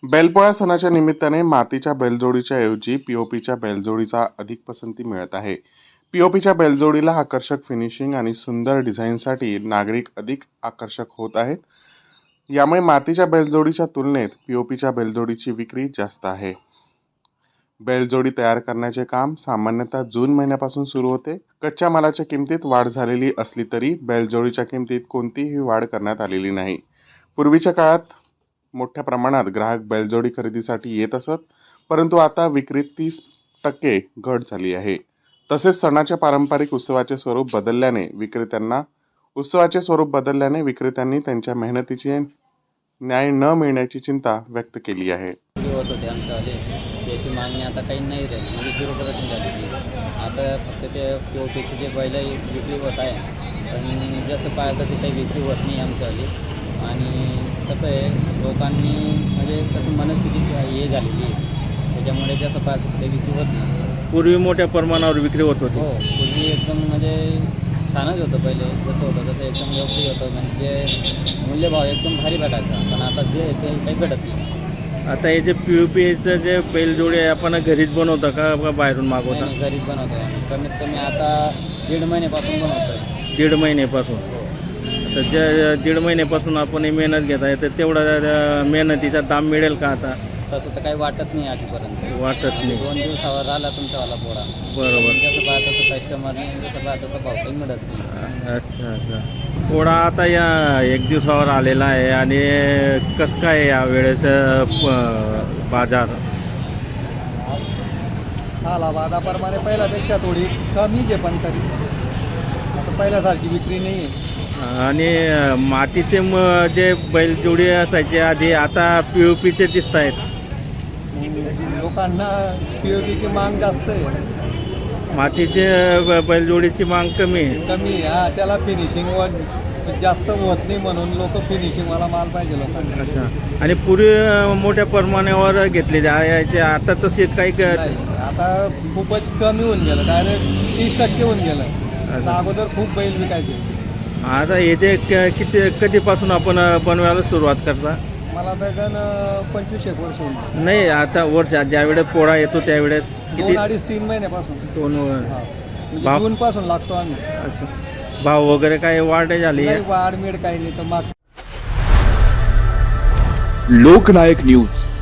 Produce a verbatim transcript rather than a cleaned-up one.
बैलपोळा सणाच्या निमित्ताने मातीच्या बैलजोडीच्या ऐवजी पीओपीच्या बैलजोडीचा अधिक पसंती मिळत आहे. पीओपीच्या बैलजोडीला आकर्षक फिनिशिंग आणि सुंदर डिझाईनसाठी नागरिक अधिक आकर्षक होत आहेत. यामुळे मातीच्या बैलजोडीच्या तुलनेत पीओपीच्या बैलजोडीची विक्री जास्त आहे. बैलजोडी तयार करण्याचे काम सामान्यतः जून महिन्यापासून सुरू होते. कच्च्या मालाच्या किमतीत वाढ झालेली असली तरी बैलजोडीच्या किमतीत कोणतीही वाढ करण्यात आलेली नाही. पूर्वीच्या काळात मोठ्या प्रमाणात ग्राहक बैलजोडी खरेदीसाठी येत असत, परंतु आता विक्रीत तीस टक्के घट झाली आहे. तसेच सणाच्या पारंपरिक उत्सवाचे स्वरूप बदलल्याने विक्रेत्यांना उत्सवाचे स्वरूप बदलल्याने विक्रेत्यांनी त्यांच्या मेहनतीचे न्याय न मिळण्याची चिंता व्यक्त केली आहे. होत होते आमच्यावाले त्याची मागणी आता काही नाही राहिली, म्हणजे झिरो पर्सेंट झालेली. आता फक्त ते पी ओ पीची जे बैल विक्री होत आहे, पण जसं पाहिजे तशी काही विक्री होत नाही आमच्यावाली. आणि कसं आहे, लोकांनी म्हणजे कसं मनस्थिती हे झालेली आहे, त्याच्यामुळे जसं पाहिजे तसं काही विक्री होत नाही. पूर्वी मोठ्या प्रमाणावर विक्री होत होती. हो, पूर्वी एकदम म्हणजे छानच होतं. पहिले जसं होतं तसं एकदम योग्य होतं, म्हणजे मूल्यभाव एकदम भारी भेटायचा. पण आता जे आहे ते काही घडत नाही. आता हे जे पी ओ पीचं जे बैलजोडी आहे आपण घरीच बनवता का बाहेरून मागवता? नाही, घरीच बनवतो आहे. कमीत कमी आता दीड महिन्यापासून बनवतो आहे. दीड महिन्यापासून. तर ज्या दीड महिन्यापासून आपण हे मेहनत घेत आहे, तर तेवढा मेहनतीचा दाम मिळेल का आता? तसं तर काही वाटत नाही आजपर्यंत. वाटत नाही. दोन दिवसावर आला तुमच्यावाला पोळा, बरोबर. जसं पाहा तसं कस्टमरने जसं पाहा तसं भाव काही मिळत नाही. अच्छा अच्छा. पोळा आता या एक दिवसावर आलेला आहे आणि कसं काय या वेळेस प- बाजार? आला बाजाप्रमाणे पहिल्यापेक्षा थोडी कमीच आहे, पण तरी आता पहिल्यासारखी विक्री नाही आहे. आणि मातीचे म जे बैलजोडी असायचे आधी, आता पी ओ पीचे दिसत आहेत. लोकांना पी ओ पीची माग जास्त आहे, मातीचे ब- बैलजोडीची माग कमी आहे. कमी आहे. हा, त्याला फिनिशिंग वर जास्त होत नाही, म्हणून लोक फिनिशिंगवाला माल पाहिजे लोकांना. अच्छा. आणि पूर्वी मोठ्या प्रमाणावर घेतले जायचे, आता तसे काही क- नाही, आता खूपच कमी होऊन गेलं, डायरेक्ट तीस टक्के होऊन गेलं. आता अगोदर खूप बैल विकायचे. आता हे जे क- किती कधीपासून आपण बनवायला सुरुवात करता? मला तर गण पंचवीस एक वर्ष होऊन नाही, आता वर्ष ज्यावेळेस पोळा येतो त्यावेळेस किती? दोन अडीच तीन महिन्यापासून. दोन वर- हा, म्हणजे बाप. जून पासून लागतो आम्ही. अच्छा. भाव वगैरे काय वाढ झाली? नाही, वाढ मिळ काही नाही तर माग लोकनायक न्यूज